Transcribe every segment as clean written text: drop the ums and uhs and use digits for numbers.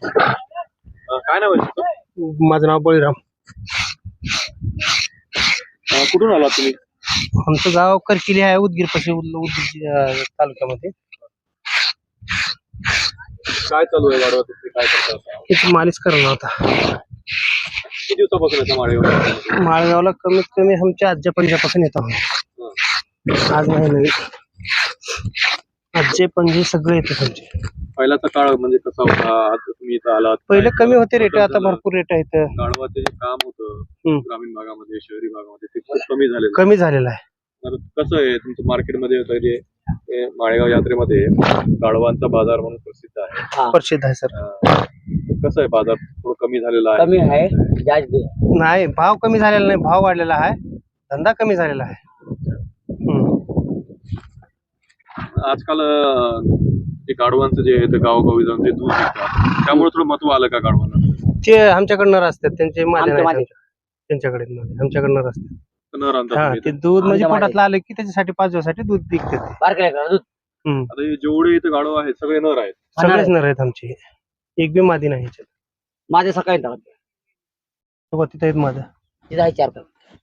काय नाव आहे तुमचं? माझं नाव बळीराम. कुठून आला तुम्ही? आमचं गाव करकिली आहे, उदगीर पाशी, उदगीर तालुक्यामध्ये. काय चालू आहे गाडवा तुमची, काय करता? इथे मालिश करणार होता. किती दिवसापासून येता माळेगाव? माळगावला कमीत कमी आमच्या आजच्या पंजापासून येत आहोत. आज नाही नवीन, आजचे पणजे सगळे येतात आमचे. पहिल्याचा काळ म्हणजे कसा होता? आज तुम्ही इथं आलात, पहिले कमी होते रेट, आता भरपूर रेट आहेत. गाडवाचे जे काम होतं ग्रामीण भागामध्ये, शहरी भागामध्ये, ते खूप कमी कमी झालेलं आहे. तर कसं आहे तुमचं मार्केटमध्ये जे माळेगाव यात्रेमध्ये गाडवांचा बाजार म्हणून प्रसिद्ध आहे? प्रसिद्ध आहे सर. कसं आहे बाजार? थोडं कमी झालेला आहे? कमी आहे, जास्त नाही, भाव कमी झालेला नाही, भाव वाढलेला आहे, धंदा कमी झालेला आहे. आजकाल ते गाडवांचं जे आहे ते गावोगावी जाऊन ते दूध विकतात, त्यामुळे थोडं महत्व आलं का गाडवांना? ते आमच्याकडनं असतात, त्यांचे आमच्या मागे. त्यांच्याकडे आमच्याकडनं असतात. नर आणतात हा, तुम्ही ते इथं? दूध म्हणजे आमच्या पोटातलं आलं की त्याच्यासाठी 5 दिवसासाठी दूध विकतात ते. बारकाय का दूध आता हे जेवढे इथे गाडव आहेत सगळे नर आहेत? सगळेच नर आहेत आमचे, एक बी मादी नाही ह्याच्यात. माझे सकाळी येतात बघा, तिथे आहेत माझं. तिथे आहे 4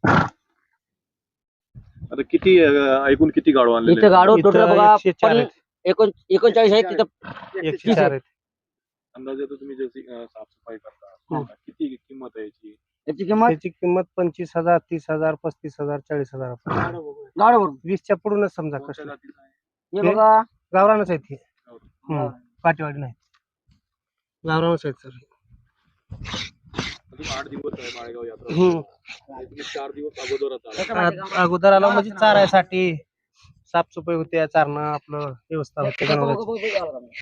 आता किती ऐकून किती गाडव आणलेले इथं आहेत? गाडो इथं टोटल बघा 104 आहेत. 39 आहेत तिथं. 104 आहेत. अंदाजे तर तुम्ही जशी साफसफाई करता, किती किंमत आहे याची? याची किंमत त्याची किंमत 25,000, 30,000, 35,000, 40,000. गाडो 20च्या पुढूनच समजा कोणत्या कष्ट. जातीचं आहे? हे बघा गावरानच आहेत ते, गावरान. काटेवाडी नाही, गावरानच आहेत सर. अजून 8 दिवस आहे माळेगाव यात्रा. हम्म. आणि तुम्ही 4 दिवस अगोदरच आला. अगोदर आला म्हणजे चारायसाठी साफसफाई होते, चारणं आपलं व्यवस्था होते जनावरांची.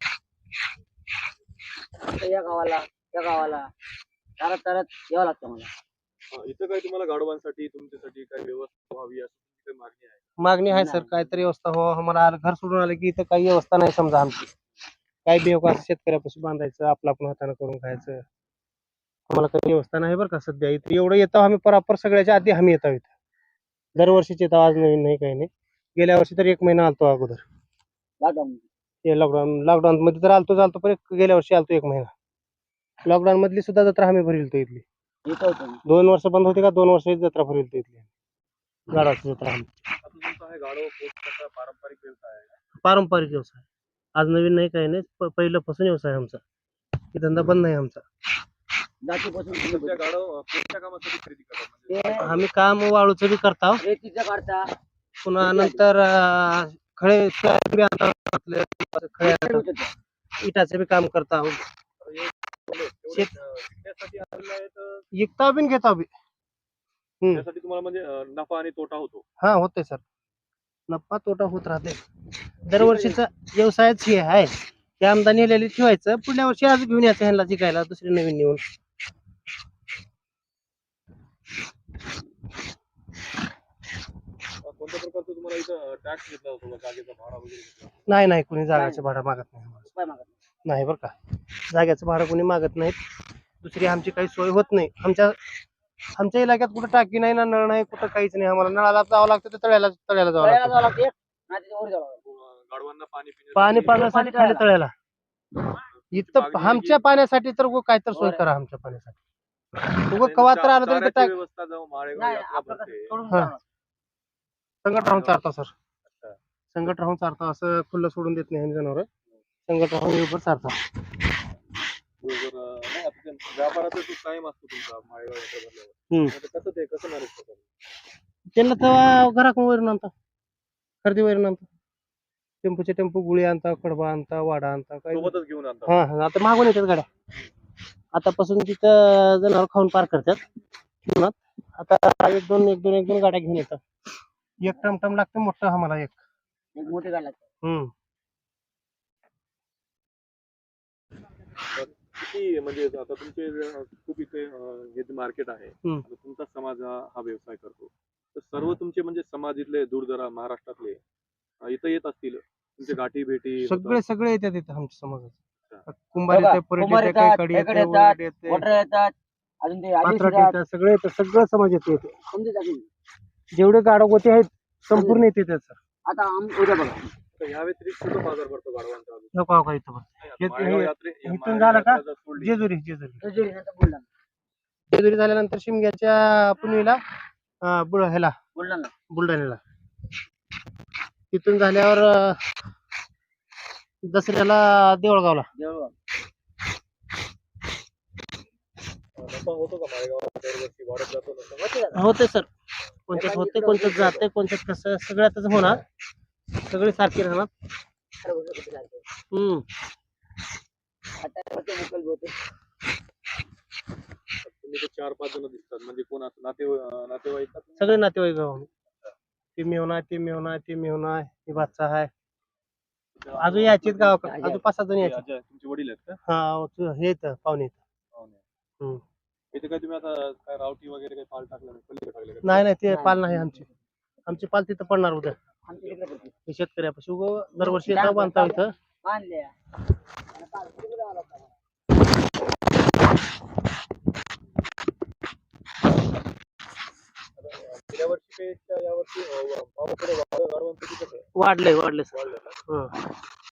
या गावाला चारत यावं लागतं मला. इथं काय तुम्हाला गाडवांसाठी तुमच्यासाठी काय व्यवस्था व्हावी अशी काही मागणी आहे? मागणी आहे सर, काहीतरी व्यवस्था हो. आम्हाला घर सोडून आलं की इथं काही व्यवस्था नाही समजा आमची. काही बेवकास शेतकऱ्यापासून बांधायचं, आपलं आपण हाताने करून खायचं. आम्हाला काही व्यवस्था नाही बरं का सध्या. इथं एवढं येतो आम्ही, प्रॉपर सगळ्याच्या आधी आम्ही येतो इथं. दरवर्षीच येतो, आज नवीन नाही, काही नाही. गेल्या वर्षी तर 1 महिना आलतो अगोदर. ते लॉकडाऊन मध्ये तर आलतो पण गेल्या वर्षी आलतो 1 महिना. लॉकडाऊन मधली सुद्धा जत्रा आम्ही भरलतो इथली. 2 वर्ष बंद होती का, 2 वर्ष जत्रा भरलतो इथली गाडाची जत्रा. आता तुमचा हे गाडव कसा पारंपरिक व्यवसाय आहे? पारंपरिक व्यवसाय, आज नवीन नाही, काही नाही, पहिल्यापासून व्यवसाय आमचा. हे धंदा बंद नाही आमचा. तुमच्या गाडव कोणत्या कामासाठी खरेदी करतात? म्हणजे आम्ही काम वाळूचं बी करतो, रेतीचं काढता पुन्हा नंतर खळे बी आणतो, आपले खळे आणतो, इटाचं बी काम करतो. विकण्यासाठी आलेलं आहे तर विकता बी घेता बी. त्यासाठी तुम्हाला म्हणजे नफा आणि तोटा होतो? हा, होते सर, नफा तोटा होत राहते. दरवर्षीचा व्यवसायच हे आहे, ते आमदानी नेलेली ठेवायचं, पुढल्या वर्षी आज घेऊन यायचं ह्यांना जिकायला, दुसरी नवीन नेऊन. कोणत्या प्रकारचं तुम्हाला इथं टॅक्स घेतला होतो, जागेचा भाडा वगैरे घेतला? नाही, कुणी जागाचं भाडं मागत नाही. नाही बरं का, जाग्याचं भाडं कोणी मागत नाहीत. दुसरी आमची काही सोय होत नाही. आमच्या इलाक्यात कुठं टाकी नाही ना, नळ नाही, कुठं काहीच नाही. आम्हाला नळाला जावं लागतं, तर तळ्याला जावं लागतं. गाडवांना पाणी पाण्यासाठी खाली तळ्याला. इथं आमच्या पाण्यासाठी तर काय तर सोय करा आमच्या पाण्यासाठी. उगं कवा तर आलं तरी तर व्यवस्था जाऊ माळेगाव यात्रा भरते. संकट राहून चारता सर, संकट राहून चारता, असं खुल्लं सोडून देत नाही जनावर. संकट राहून बरोबर चारता. व्यापाराचा जो टाइम असतो तुमचा माळेगाव यात्रा भरल्यावर, कसं मॅनेज करतात? त्यांना तेव्हा घराकडून वैरून आणता, खरेदी वैरून आणता, टेम्पोचे टेम्पो गुळी आणता, कडबा आणता, वाडा आणता, काही सोबतच घेऊन आणतात? हा, आता मागून येतात गाड्या. आतापासून तिथं जनावर खाऊन पार करतात. आता एक दोन गाड्या घेऊन येतात. एक टमटम लागतं मोठं आम्हाला, एक मोठी गाडी लागते. किती म्हणजे आता तुमचे खूप इथे हे जे मार्केट आहे, तुमचा समाज हा व्यवसाय करतो, तर सर्व तुमचे म्हणजे समाज इथले दूरदरा महाराष्ट्रातले इथं येत असतील, तुमचे गाठी भेटी सगळे येतात इथं आमच्या समाजात. कुंभार येतात, खेकडे येतात, वॉटर येतात, अजून ते आदिवासी येतात. सगळं समाज येतो. जेवढे गाडोगोते आहेत संपूर्ण येते त्याचं. आता उद्या बघा, तर या व्यतिरिक्त कुठं बाजार भरतो गाढवांचा अजून? नको का इथं बघ. नाही, आता हे- माळेगाव हे- यात्रे- इथून माळेगाव झालं का? यात्रा जर सोडली, जेजुरी नंतर बुलढाणा जेजुरी झाल्यानंतर शिमग्याच्या पुणेला ह्याला बुलढाणा बुलढाण्याला. तिथून झाल्यावर दसऱ्याला देवळगावला. देऊळगाव नफा होतो का माळेगावात दरवर्षी वाढत जातो नफा? होते दादा. होते सर, कोणत्यात होते कोणत्यात जाते कोणत्यात कसं सगळ्यातच होणार. सगळे सारखे राहणार. सर्व किती लागते. हम्म. आता होते मुकल होते. तुम्ही ते 4-5 जण दिसतात म्हणजे कोण असं नातेवाईक का तुम्ही? सगळे नातेवाईक गावाने. ते मेवना ते मेवना ते मेवना हे बादशाह आहे. अजून यायचे गावाकडे अजून 5-6 जण हे यायचे. अजय, तुमचे वडील आहेत का? हा हे येतं पाहुणे येतं. पाहुणे. हम्म. इथे काय तुम्ही आता काय रावटी वगैरे काही पाल टाकलं नाही, पलीकडे टाकले का? नाही ते पाल नाही आमची पाल तिथं पडणार उद्या. आमच्या तिकडे होते. हे शेतकऱ्यापाशी उगं दरवर्षी येतं बांधता इथं. बांधले. गेल्या वर्षीपेक्षा यावर्षी भावाकडे गाढवांचं किती कसं आहे? वाढलंय सर. वाढलं का?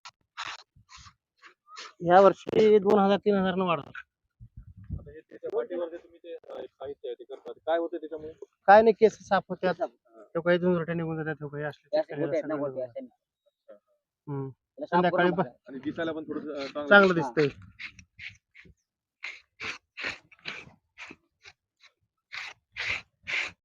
या वर्षी 2000-3000 न वाढलं. आता हे त्याच्या पाठीवर जे तुम्ही ते एक साहित्य आहे ते करतात, काय होतं त्याच्यामुळे? काय नाही केस साफ होत्यात. तो काही झुंजरट्या निघून जातात. तो काही असले जास्त शेतकऱ्याला होते ना सगळं होते निघून असं. जातं. हम्म. त्याला साफ संध्याकाळी करून बघ. टाका. आणि दिसायला पण थोडं चांगलं दिसतंय.